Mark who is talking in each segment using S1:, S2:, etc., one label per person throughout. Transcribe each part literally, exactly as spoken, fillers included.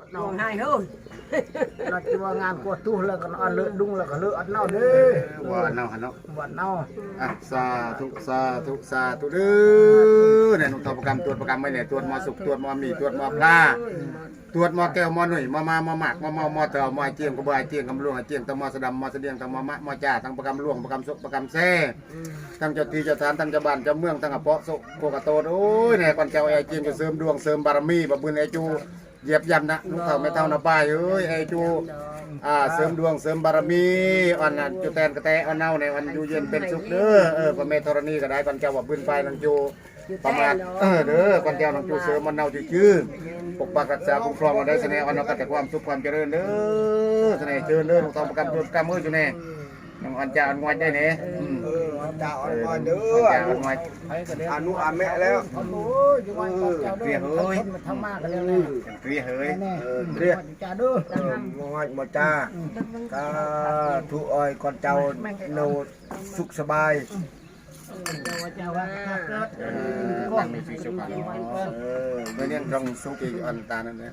S1: น้องให้เฮ้ยเราจะว่างานกวดตู้แล้วก็อันเลอะดุงแล้วก็เลอะอันเน่าเด้อ
S2: ว่าเนาะเนาะ
S1: วันเน่า
S2: อ่ะสาธุสาธุสาธุเด้อเนี่ยหนุ่มทประกรรมตรวจประกรรมไม่เนี่ยตรวจมอสุกตรวจมอมีตรวจมอปลาตรวจมอแก้วมอหนุ่ยมอมามอหมักมอมอมอเต่ามอเจียงกระบายเจียงกำลวงเจียงตะมอสะดำมอเสดียงตะมอมะมอจ่าตั้งประกรรมลวงประกรรมสุกประกรรมแซ่ตั้งเจ้าที่เจ้าทานตั้งเจ้าบ้านเจ้าเมืองตั้งกระเพาะสุกโกกระโตโอ้ยเนี่ยก่อนเจ้าไอ้เจียงจะเสริมดวงเสริมบารมีบะบุญไอ้จูเหยียบยำนะลูกเต่าไม่เท่านาป้ายเอ้ยไอ้จูอ่าเสริมดวงเสริมบารมีอ่อนจุแตนกระแตอ่อนเน่าในวันอยู่เย็นเป็นสุขเด้อเออพระเมธรณีก็ได้ก่อนเจ้าว่าบุญไฟนังจูประมาณเออเด้อก่อนเจ้านังจูเสริมมันเน่าจืดๆปกปักรักษาคุ้มครองมาได้เสน่ห์อ่อนเอาแต่ความสุขความเจริญเด้อเสน่ห์เจริญเด้อลูกเต่าประกันตัวประกันมืออยู่แน่น้องอ่อนจ่าอ่อนงอยได้เนี่ย
S3: เออเจ้าอ่อนเด้
S2: อ่อน
S3: อ
S2: จ่าอ่อนงอย
S3: อนุอาแม่แล้ว
S1: โอ้ยอยู่วันก่อนเจ้าเด้อมันทำมากกันเลย
S2: เรียเฮ้ย
S1: แน่เรียกจ้าเด้อ
S3: มอยมาจ้าก็ทุอ้อยก่อนเจ้าโนสุขสบาย
S1: เจ้าเจ้าว่าเกิด
S2: เออตั้งในชีวิตสุขภาพเออเมื่อเลี้ยงตรงสุขีอันตานั่นเนี่ย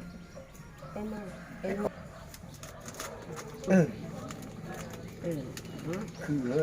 S3: เออคือเลย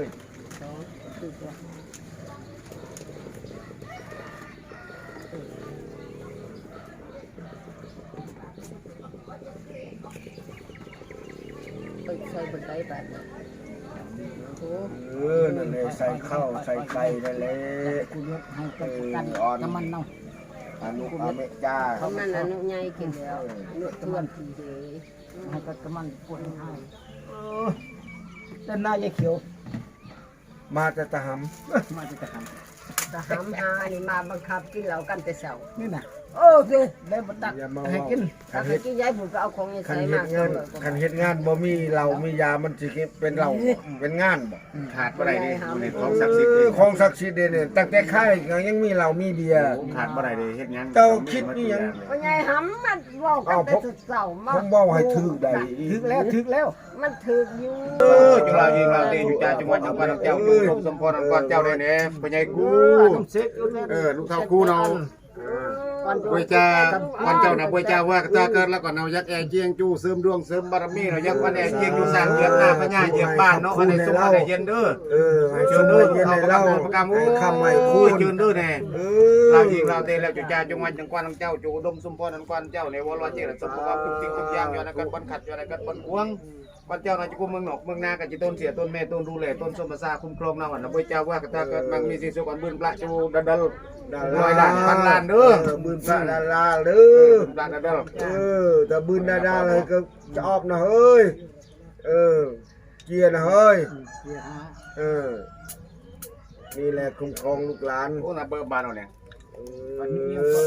S1: ใส่บนไดแบบโอ้
S3: เออนั่นเลยใส่ข้าวใส่ไก่นั่นเลย
S1: กูยกให้กับกันน้ำมันเนาะ
S3: อนุอาแม่จ้า
S4: เขามันอนุใหญ่กินแล้วอนุตวนทีเดย
S1: ให้กับน้ำมันปวดให้เต้นหน้ายายเขียว
S3: มาจะตะห
S1: มาจะท
S4: ทหารหานี่มาบังคับกินเหล้ากันแต่เช้า
S1: ำนี่นะโอ้สิได้บัตัก
S3: ำอย่ามา
S1: ให้
S3: ว่า
S1: กิน
S3: คั
S4: ถ้าน ไป
S3: เฮ็ด
S4: กินยายผมก็เอาของยาย
S3: คัน
S4: ใส่
S3: เฮ็
S4: มา
S3: ดงานคันเฮ็ดงานบ่มีเหล้ามียามันสิเป็นเหล้าเป็นงานบ่
S2: ขาดบ่ได้ดิอยู่ในของ
S3: เอ
S2: ศักดิ์สิทธิ์
S3: อของศักดิ์สิทธิ์เนี่ยตั้งแต่ค่ายก็ยังมีเหล้ามีเบียร์
S2: ขาดบ่ได้ดิเฮ็ดงาน
S3: เจ้าคิดนี่ยัง
S4: พ่อยายหำมันเว้ากันแต่เช้ามา
S3: ผมบอกให้ถึกได้
S1: ถึกแล้วถึกแล้ว
S4: มันถึกอยู่
S2: เออจุฬายิงเราตีอยู่จ่าจังหวัดจังหวัดเจ้าอยู่ครบสมพรอันกวนเจ้าได้เนี่ยปัญญากู
S1: น้ำเซ็กอยู่เนี่ย
S2: เออลูกเท่ากูเนาะบวยจ่าวันเจ้าน่ะบวยจ่าว่าถ้าเกิดแล้วก็เนายักแอเจียงจูเสริมดวงเสริมบารมีเนายักวันแอเจียงอยู่สร้างเหยียบหน้าพญาเหยียบบ้านเนาะวันไหนสุขวันไหนเย็นเด้อ
S3: เออให้
S2: เชิ
S3: ช
S2: ญ
S3: ม
S2: เด้อ
S3: เย็น
S2: เอา
S3: ให้
S2: ประกา
S3: เล่า
S2: ศประกาศ
S3: ให้
S2: โอ้
S3: คำใหม่
S2: คุ
S3: คุ
S2: ย
S3: ณ
S2: เชิญเด้อแน่
S3: เออ
S2: เรายิงเราเตะแล้วจุจ่าจังหวัดจังกวนของเจ้าจูอุดมสมพรอันกวนเจ้าในวรวเจริญสมบูรณ์ทุกสิ่งทุกอย่างอยู่ในกันบนขัดอยู่ในกันบนควงวันเจ้านาจะกุมเมืองนอกเมืองนากันจิต้นเสียต้นแม่ต้นดูแลต้นสมภาษาคุ้มครองนาวันนะบวยเจ้าว่าถ้าเกิดมันมีสิ่งสุขอันบุญพระจูดัดดลร้อยล้านพันล้านเด้อ
S3: บืนพระดาราเด้อ
S2: ล้านดัดดล
S3: เออแต่บืนดาราเลยก็จะออกนะเฮ้ยเออเกียร์นะเฮ้ยเออนี่แหละคุ้มครองลูกหลาน
S2: โอ้น่ะเบอร์บานเอาเนี่ย
S3: เออ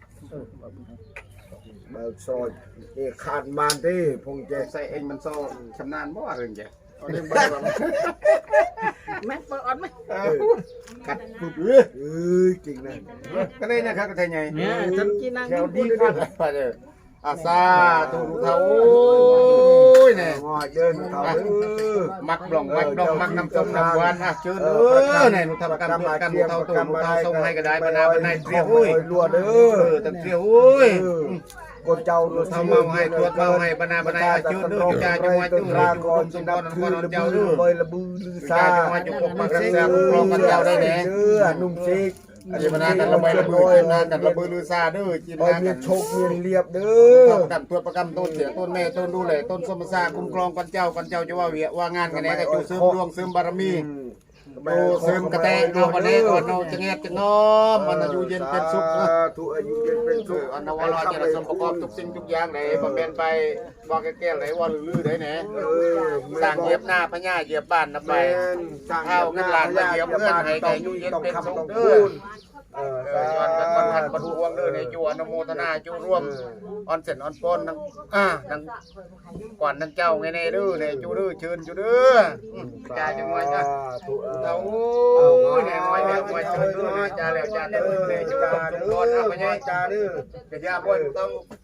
S3: เบิกซอยนี่ขาดมานที่พงเจ
S2: ใส่เองมันโซ่ชำนาญบ่ว่าเรื่องแกเอาเรื่องไปว่า
S1: แม่เปิดอ่อนไหม
S2: กัดปุ๊บเอ้ย
S3: เอ้ยจริงนะ
S2: ก็เลยนะครับก็ไทยไง
S1: เนี่ยฉันกินนั่ง
S2: แถวดีครับไปเด้ออาซาตูรูเท่าโอ้ยเนี่ย
S3: งอเดินเขาเออ
S2: มักบล่องมักดองมักน้ำส้มน้ำหวานอ่ะเชิญเออเนี่ยหนูทำกันด้วยกันหนูเท่าตูหนูเท่าส้มให้ก็ได้บรรดาบรรดาเตรียวโอ้ย
S3: รัวเด้
S2: เอ
S3: อ
S2: อตั้งเตรียวโอ้ย
S3: คนเจ้า
S2: ทำมาให้ตรวจมาให้บรรดาบรรดาเชิญเด้อจ่าจังหวัดจุฬาจุฬาสมพรนครเจ้าเด้อ
S3: ใบระบือลือ
S2: จ่า
S3: ซา
S2: จังหวัดจุฬาปกรักษาคุ้มครองกันเจ้าได้แน่
S3: เด้อนุ่มซิก
S2: อันนี้บรรดากันระเบิดระเบิดนะกันระเบิดลือซาเด้อจีน
S3: โอ้ย
S2: งาน
S3: มี
S2: กัน
S3: โชคมีเรียบเด้
S2: ต้
S3: อน
S2: กันตัวประกันต้นเสียต้นแม่ต้นดูแลต้นสมศาคุ้มครองกันเจ้ากันเจ้าจะว่าเวียว่างานกันแน่ก็อยู่เสริมดวงเสริมบารมีโตเสริมกระแตเอาวันนี้ก่อนเอาจะเงียบจะงอมมันอายุเย็นเป็นสุขนะ
S3: ทุกอายุเย็นเป็นสุข
S2: อันนั้นว่าเราจะสมประกอบทุกสิ่งทุกอย่างไหนบำเพ็ญไปว่าแก่ๆไหนว่าลือๆไหนแหนสร้างเหยียบหน้าพญาเหยียบบ้านนะไปข้าวเงินล้านมาเหยียบเงินให้แก่อายุเย็นเป็นสุขเด้อ
S3: เออ
S2: เออย้อนกันคนหันประตูวงเด้อในจูอนุโมทนาจูร่วมออนเสร็จออนปนทั้งอ่าทั้งก่อนทั้งเจ้าไงในเด้อในจูเด้อเชิญจูเด้อจ่าจังหวัดนะเอาโอ้ยเนี่ยไว้แล้วไว้เชิญเด้อจ่าแล้วจ่าเด้อในจูต้องก่อนเอาไปไง
S3: จ้าเด้อ
S2: กระยาบ่อยต้อง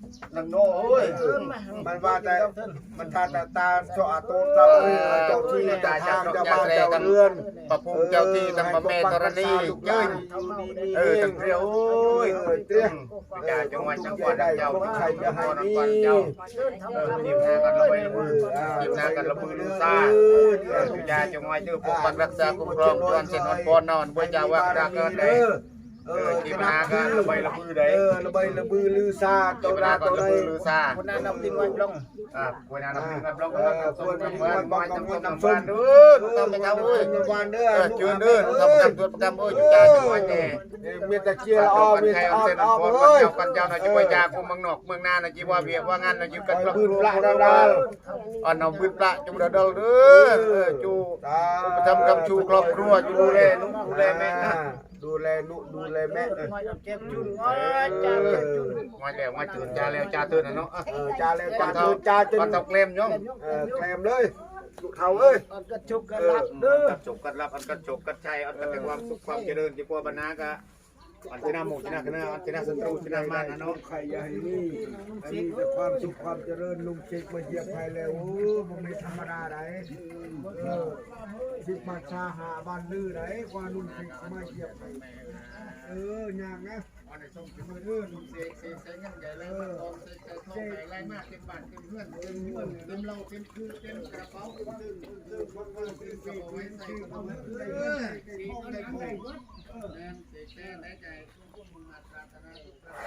S2: นังโน่เอ้ย
S3: มันว่าแต่มันตาตาตาเจาะโตเจ้าเจ้าที่เจ้าทางเจ้าบ้านเจ้าเรือน
S2: พระภูมิเจ้าที่ทั้งพระแม่ธรณีเจ้ยเออทั้งเรียวโอ้ยเตี้ยอย่าจังหวัดจังหวัดเจ้าใครจะให้นี่เจ้าเออทีมงานกันระเบิดทีมงานกันระเบิดลูซ่าอย่าจังหวัดเจ้าปกปักรักษาคุ้มครองจวนเสนนปอนนอนบ่จะว่ารักกันได้เออทีมงานกันระเบิดระบือได้
S3: เออระเบิดระบือลือซา
S2: ตัวนาตัวใดลือซา
S1: คนนั้นนำทิ้งไว้ลง
S2: อ่าคนนั้นนำทิ้งไว้ลงแล้วก็ส่วนน้ำมันบ่น้ำส้มน้ำมันเด้อต้องไปเท่าเอ้ย
S3: น้ำมันเด้อ
S2: เชิญเด้อทำกันตัวประจำเอ้ยอยู่จ้าจังหวัดแน่
S3: มีแต่เชียร์อ้อมี
S2: ใคร
S3: อ้
S2: เอา
S3: อ
S2: เส้น
S3: อ้อ
S2: พอ
S3: เอ้ย
S2: เจ้ากันเจ้าน่ะจะไปจากกูเมืองนอกเมืองนาน่ะจีว่าเวียกว่างานน่ะอยู่กันปลา
S3: ปืนปลา
S2: ดา
S3: ดาว
S2: อันเอาปืนปลาจุดเดาเด้อเออจูประจำกับชูครอบครัวอยู่ดูแลนุดูแลแม่นะ
S3: ดูแลนุดูแลแม่
S1: เจ็บจุนโอ้ยจ้าเจ็บจุน
S2: มาแล้วมาจืดจ้าแล้วจ้าตื่นน่ะเนาะ
S3: เออจ้าแล้วจ้าจนจ้าจน
S2: ปันตกเล่มย่อม
S3: เออแคลมเลยลูกเฒ่าเอ้ย
S1: อันกระชุกกระลับเด้อ
S2: กัดจบกัดรับอันกัดจบกัดชัยอันกัดแต่ความสุขความเจริญที่กว่าบรรณากะอันที่น่าหมู่ที่น่าคณะอันที่น่าศัตรูที่น่ามานะเนาะ
S3: ใครอย่าให้นี่มีแต่ความสุขความเจริญลุงเช็คมาเหยียบไทยแล้วโอ้บ่มีธรรมดาไดเออสิมาชาหาบ้านลือไดกว่าลุงเช็คมาเหยียบไทยเออยากนะ
S2: วันนี้ส่งถึงมือเด้อลุงเสกเสกใส่เงินใหญ่เลยมาทองใส่ใจทองใหญ่ไรมากเต็มบ้านเต็มเพื่อนเต็มเงินเต็มเหล้าเต็มคือเต็มกระเป๋าเต็มตึ้งตึ้งคนคนตึ้งเอาไว้ใส่กระเป๋าเออสีทองได้ทองแรงเสกแท้แท้ใจพวกมึงมาปรารถนาทุกประ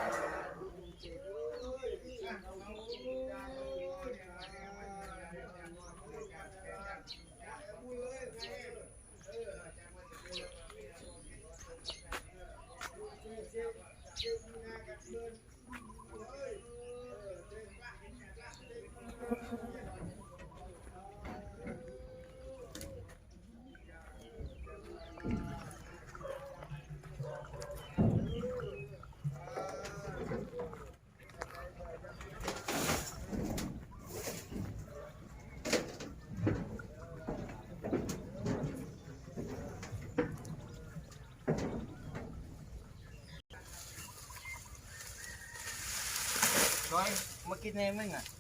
S2: น้อยมากินเองมั้งอ่ะ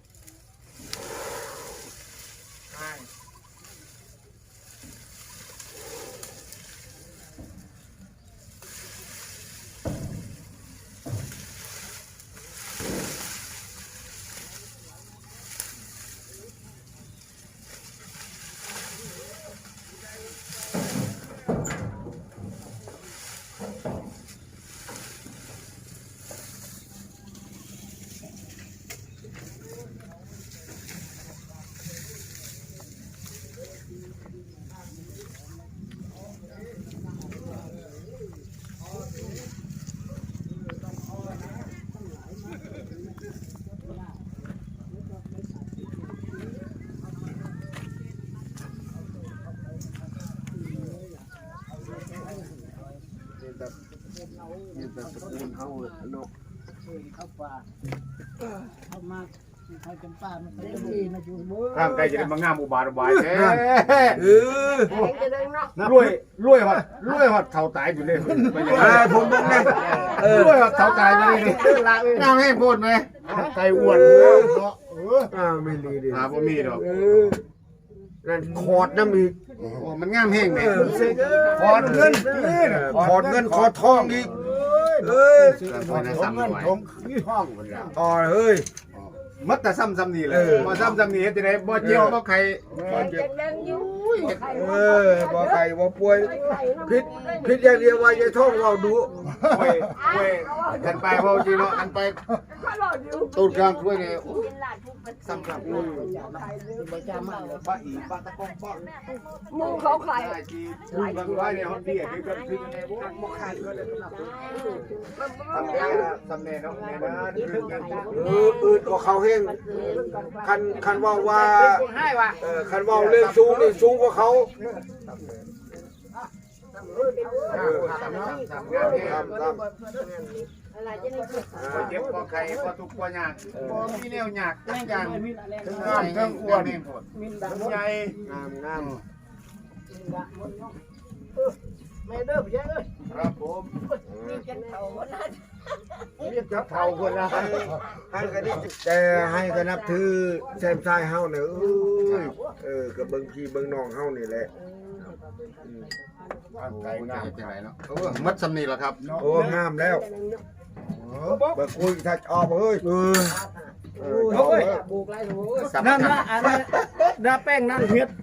S2: ใช่
S3: มีแต่ตระกูลเฮาเนาะ
S1: เข้าป่าเข้ามาเขาจำป่ามันเป็นที่มาอยู่มือ
S2: ข้ามไกลจะได้มางามอุบาทอุบายแท้
S3: เออ
S4: แข็งจะได้เนาะ
S2: รวยรวยฮอดรวยฮอดเท่าตายอยู่เลยไปยัง
S3: เออผมบอกนะเออ
S2: รวยฮอดเท่าตายไปเลยงามให้พูดไหมไก่อ้วนเนาะเออ
S3: อ้าวไม่ดีดิ
S2: หาบ่มีดอก
S3: เออนั่นขอดน้ำอีก
S2: โอ้มันงามแห้งแม่
S3: ขอดเงินขอดเงินขอดทองอีกเอ้ย
S2: พอนะซ้ำหน่อย
S1: ห้องคนละ
S3: ต่อเฮ้ย
S2: มัดแต่ซ้ำซ้ำนี่เลย
S3: เออ
S2: บ่ซ้ำซ้ำนี่เฮ็ดจังได๋บ่เจียวบ่ไข่
S4: แข็งจะเล่นอยู่
S3: เออบ่ไก่บ่ป่วยพิษพิษอย่างเดียวว่าอย่าท่องเราดู
S2: เว้ยเว้ยกันไปเว้าจริงเนาะกันไป
S4: เขาหลอดอยู่
S2: ตูดกลางถ้วยนี่
S4: เป็นหลานผู้เป็น
S2: ซ้ำซ้ำ
S1: ประจำมาเลย
S3: ป้าอีป้าตะกองป้า
S4: มูเขาขาย
S2: ได้ที่ดูบางไว้เนี่ยเฮาเบี้ยคือกันคือยังไงบ่บ่ขาดก็ได้สำหรับทำแน่ทำแน่เนาะแน่นะคือกัน
S3: เอออืดกว่าเขาเฮงคันคันว่าว่า
S1: ให้ว่ะ
S3: เออคันว่าเรื่องสูงนี่สูงกว่าเขา
S2: เออซ้ำซ้ำซ้ำงานนี่
S3: ครับครับ
S4: อะไรจะได้กิน
S2: บ่เจ็บบ่ไข้บ่ทุกข์บ่ยากบ่มีแนวยากจักอย่างทั้งงามทั้งอ้วนทั้งใหญ่
S3: งามงาม
S1: ไม่เด้อพี่เอ้ย
S2: ครับผม
S4: มีกันเขาหมดนะ
S1: เรียกจับเท่าคนละ
S3: ให้กันนี่แต่ให้กันนับถือแซมซ้ายเฮาเนี่ยเอ้ยเออกับเบิ่งพี่เบิ่งน้องเฮานี่แหละ
S2: ใจงามจังไรเนาะเออมัดสำนีแล้วครับ
S3: โอ้งามแล้วเบิ่งคุยถ้าออกเอ้ยเออ
S1: โอ้ย
S4: บุกไล่หัว
S2: สำ
S1: นั่น
S2: คัญ
S1: ละอันนั้นดาแป้งนั่นเฮ็ด